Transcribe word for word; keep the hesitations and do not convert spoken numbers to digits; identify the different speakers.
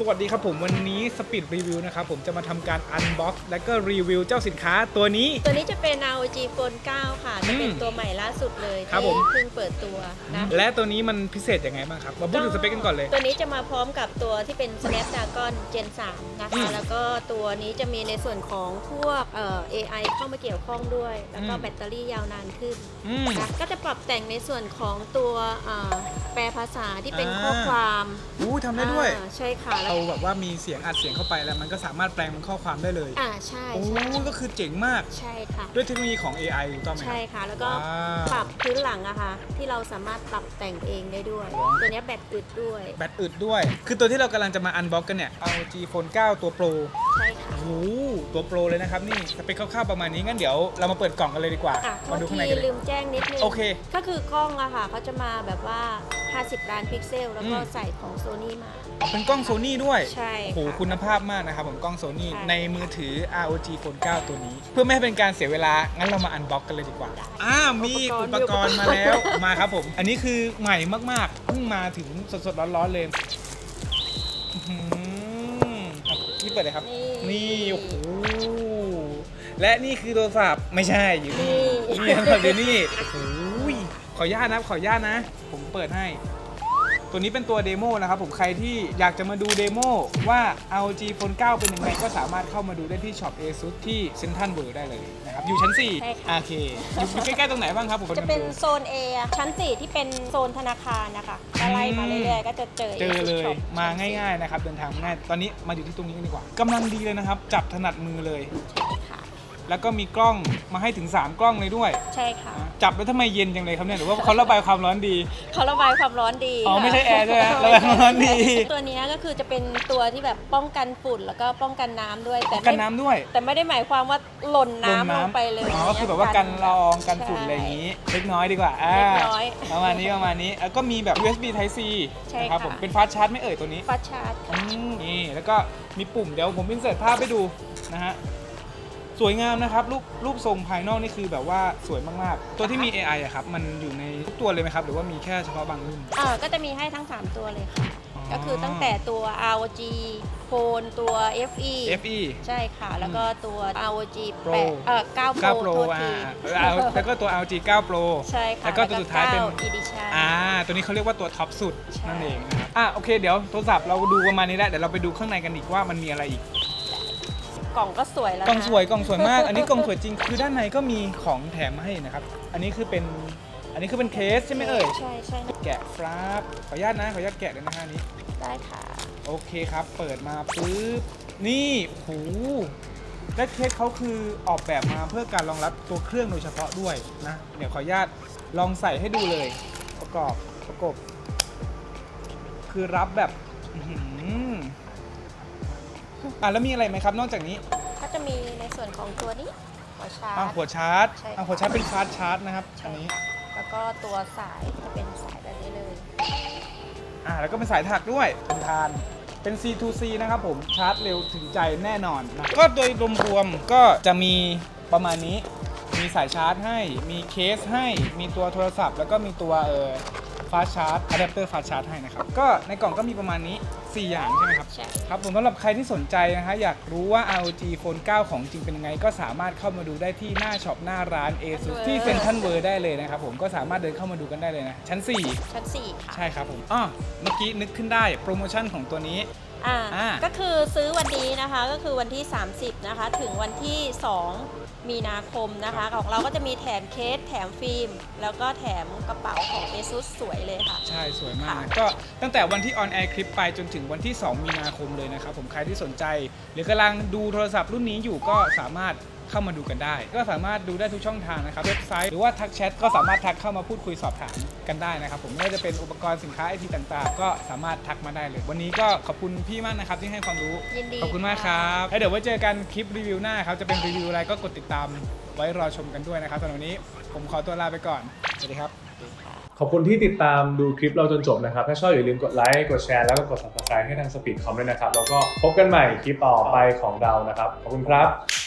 Speaker 1: วัสดีครับผมวันนี้สปีดรีวิวนะครับผมจะมาทำการอันบ็อกซ์และก็รีวิวเจ้าสินค้าตัวนี้
Speaker 2: ตัวนี้จะเป็น อาร์ โอ จี Phone เก้า ค่ะจะเป็นตัวใหม่ล่าสุดเลย
Speaker 1: ครับผม
Speaker 2: ที่เพิ่งเปิดตัวนะ
Speaker 1: และตัวนี้มันพิเศษยังไงบ้างครับมาพูดถึงสเปคกันก่อนเลย
Speaker 2: ตัวนี้จะมาพร้อมกับตัวที่เป็น Snapdragon Gen สามนะคะแล้วก็ตัวนี้จะมีในส่วนของพวกเอ่อ เอ ไอ เข้ามาเกี่ยวข้องด้วยแล้วก็แบตเตอรี่ยาวนานขึ้นนะก็จะปรับแต่งในส่วนของตัวแปลภาษาที่เป็นข้อความ
Speaker 1: อู้ทำได้ด้วย
Speaker 2: ใช่ค่ะ
Speaker 1: เราแบบว่ามีเสียงอัดเสียงเข้าไปแล้วมันก็สามารถแปลงเป็นข้อความได้เลย
Speaker 2: อ่าใช่
Speaker 1: โอ้ก็คือเจ๋งมาก
Speaker 2: ใช่ค่ะ
Speaker 1: ด้วยเทคโนโลยีของ เอ ไอ ถูกต้องไหม
Speaker 2: ใช่ค่ะแล้วก็ปรับพื้นหลังอะค่ะที่เราสามารถปรับแต่งเองได้ด้วยตัวนี้แบตอึดด้วย
Speaker 1: แบตอึดด้วยคือตัวที่เรากำลังจะมาอันบ็อกกันเนี่ย อาร์ โอ จี Phone เก้า ตัวโปร
Speaker 2: ใช่ค่ะ
Speaker 1: โอ้โหตัวโปรเลยนะครับนี่สเปคคร่าวๆประมาณนี้งั้นเดี๋ยวเรามาเปิดกล่องกันเลยดีกว่า
Speaker 2: มาดูข้างในกันเลยลืมแจ้งนิดนึง
Speaker 1: โอเค
Speaker 2: ก็คือกล้องอะค่ะเขาจะมาแบบว่าห้าสิบล้านพิกเซลแล้วก็ใส่ของ Sony มา
Speaker 1: เป็นกล้อง Sony ด้วย
Speaker 2: ใช่
Speaker 1: โอ้โหคุณภาพมากนะครับผมกล้อง Sony ในมือถือ อาร์ โอ จี Phone เก้า ตัวนี้เพื่อไม่ให้เป็นการเสียเวลางั้นเรามาอันบ็อกกันเลยดีกว่าอ่ามีอุปกรณ์มาแล้วมาครับผมอันนี้คือใหม่มากๆเพิ่งมาถึงสดๆร้อนๆเลยนี่เปิดเลยครับนี่โอ้โหและนี่คือโทรศัพท์ไม่ใช่อยู่นี่นี่ครับเดี๋ยวนี่โอ้โหขออนุญาตนะขออนุญาตนะผมเปิดให้ตัวนี้เป็นตัวเดโมนะครับผมใครที่อยากจะมาดูเดโมว่า อาร์ โอ จี Phone เก้า เป็นยังไงก็สามารถเข้ามาดูได้ที่ช็อป ASUS ที่เซ็นทรัลเวิลด์ได้เลยนะครับอยู่ชั้นสี่โอเคอยู่ใกล้ๆตรงไหนบ้างครับผม
Speaker 2: จะเป็นโซน A ชั้นสี่ที่เป็นโซนธนาคารนะคะไล่มาเรื่อยๆก็จะเจอ
Speaker 1: เจอเลยมาง่ายๆนะครับเดินทางง่ายตอนนี้มาอยู่ที่ตรงนี้กันดีกว่ากำลังดีเลยนะครับจับถนัดมือเลยแล้วก็มีกล้องมาให้ถึงสามกล้องเลยด้วย
Speaker 2: ใช่ค่ะ
Speaker 1: จับแล้วทำไมเย็นจังเลยครับเนี่ยหรือว่าเขาระบายความร้อนดี
Speaker 2: เขาระบายความร้อนดี
Speaker 1: อ๋อไม่ใช่แอร์ใช่ไหมระบายความร้อนดี
Speaker 2: ตัวนี้ก็คือจะเป็นตัวที่แบบป้องกันฝุ่นแล้วก็ป้องกันน้ำด้วย
Speaker 1: แต่กันน้ำด้วย
Speaker 2: แต่ไม่ได้หมายความว่าหล่นน้ำลงไปเลย
Speaker 1: อ๋อคือแบบว่ากันละอองกันฝุ่นอะไรอย่างนี้เล็กน้อยดีกว่า
Speaker 2: เล็กน้อย
Speaker 1: ประมาณนี้ประมาณนี้แล้วก็มีแบบ ยู เอส บี Type C นะครับผมเป็นฟาสต์ชาร์จไม่เอ่ยตัวนี้
Speaker 2: ฟาสต์ชาร์จ
Speaker 1: นี่แล้วก็มีปุ่มเดี๋ยวผมอินเสิร์ตภาพให้ดูนะฮะสวยงามนะครับรูปรูปทรงภายนอกนี่คือแบบว่าสวยมากๆตัวที่มี เอ ไอ อะครับมันอยู่ในทุกตัวเลยไหมครับหรือว่ามีแค่เฉพาะบางรุ่น
Speaker 2: อ่าก็จะมีให้ทั้งสามตัวเลยค่ะก็คือตั้งแต่ตัว อาร์ โอ จี Phone ตัว เอฟ อี
Speaker 1: เอฟ อี
Speaker 2: ใช่ค่ะแล้วก็ตัว อาร์ โอ จี
Speaker 1: Pro
Speaker 2: เอ่อเก้า Pro
Speaker 1: อ่าแล้วก็ตัว อาร์ โอ จี เก้า Pro
Speaker 2: ใช่ค่ะ
Speaker 1: แล้วก็ตัวสุดท้ายเป็น
Speaker 2: Edition
Speaker 1: อ่าตัวนี้เขาเรียกว่าตัวท็อปสุดนั่นเองนะครับอ่ะโอเคเดี๋ยวโทรศัพท์เราดูประมาณนี้แล้วเดี๋ยวเราไปดูข้างในกันอีกว่ามันมีอะไรอีก
Speaker 2: กล่องก็สวยแล้ว
Speaker 1: กล่องสวยกล่องสวยมากอันนี้กล่องสวยจริงคือด้านในก็มีของแถมมาให้นะครับอันนี้คือเป็นอันนี้คือเป็นเคสใช่ไหมเอ่ย
Speaker 2: ใช่ใช่
Speaker 1: แกะครับขออนุญาตนะขออนุญาตแกะเลยนะฮะนี้
Speaker 2: ได้ค่ะ
Speaker 1: โอเคครับเปิดมาปุ๊บนี่โหและเคสเขาคือออกแบบมาเพื่อการรองรับตัวเครื่องโดยเฉพาะด้วยนะเดี๋ยวขออนุญาตลองใส่ให้ดูเลยประกอบประกบคือรับแบบอ่ะแล้วมีอะไรไหมครับนอกจากนี้
Speaker 2: ก็จะมีในส่วนของตัวนี้หัวชาร์จ
Speaker 1: อ่ะหัวชาร์จอ่ะหัวชาร์จเป็นฟาสต์ชาร์จนะครับอันนี้
Speaker 2: แล้วก็ตัวสายจะเป็นสายแบบนี้เลย
Speaker 1: อ่ะแล้วก็เป็นสายถักด้วยเป็นทานเป็น ซี ทู ซี นะครับผมชาร์จเร็วถึงใจแน่นอนนะก็โดยรวมๆก็จะมีประมาณนี้มีสายชาร์จให้มีเคสให้มีตัวโทรศัพท์แล้วก็มีตัวเอ่อฟาสต์ชาร์จอะแดปเตอร์ฟาสต์ชาร์จให้นะครับก็ในกล่องก็มีประมาณนี้สี่อย่างใช่ไหมครับ
Speaker 2: ใช่
Speaker 1: ครับผมสำหรับใครที่สนใจนะฮะอยากรู้ว่า อาร์ โอ จี Phone เก้า ของจริงเป็นยังไงก็สามารถเข้ามาดูได้ที่หน้าช็อปหน้าร้าน ASUS ที่เซ็นทรัลเวิลด์ได้เลยนะครับผมก็สามารถเดินเข้ามาดูกันได้เลยนะชั้นสี่
Speaker 2: ชั้นสี่ค่ะ
Speaker 1: ใช่ครับผมอ๋อเมื่อกี้นึกขึ้นได้โปรโมชั่นของตัวนี้
Speaker 2: อ่าก็คือซื้อวันนี้นะคะก็คือวันที่สามสิบนะคะถึงวันที่สองมีนาคมนะคะของเราก็จะมีแถมเคสแถมฟิล์มแล้วก็แถมกระเป๋าของ ASUS สวยเลยค่ะ
Speaker 1: ใช่สวยมากก็ตั้งแต่วันที่ออนแอร์คลิปไปจนถึงวันที่สองมีนาคมเลยนะครับผมใครที่สนใจหรือกำลังดูโทรศัพท์รุ่นนี้อยู่ก็สามารถเข้ามาดูกันได้ก็สามารถดูได้ทุกช่องทางนะครับเว็บไซต์หรือว่าทักแชทก็สามารถทักเข้ามาพูดคุยสอบถามกันได้นะครับผมไม่ว่าจะเป็นอุปกรณ์สินค้าไอทีต่างๆก็สามารถทักมาได้เลยวันนี้ก็ขอบคุณพี่มากนะครับที่ให้ความรู้
Speaker 2: ยินดี
Speaker 1: ขอบคุณมากครับแล้วเดี๋ยวไว้เจอกันคลิปรีวิวหน้าครับจะเป็นรีวิวอะไรก็กดติดตามไว้รอชมกันด้วยนะครับสำหรับวันนี้ผมขอตัวลาไปก่อนสวัสดีครับ
Speaker 3: ขอบคุณที่ติดตามดูคลิปเราจนจบนะครับถ้าชอบอย่าลืมกดไลค์กดแชร์แล้วก็กด ซับสไครบ์ ให้ทาง Speed คอม ด้วยนะครับแล้วก็พบกันใหม่คลิปต่อไปของเรานะครับขอบคุณครับ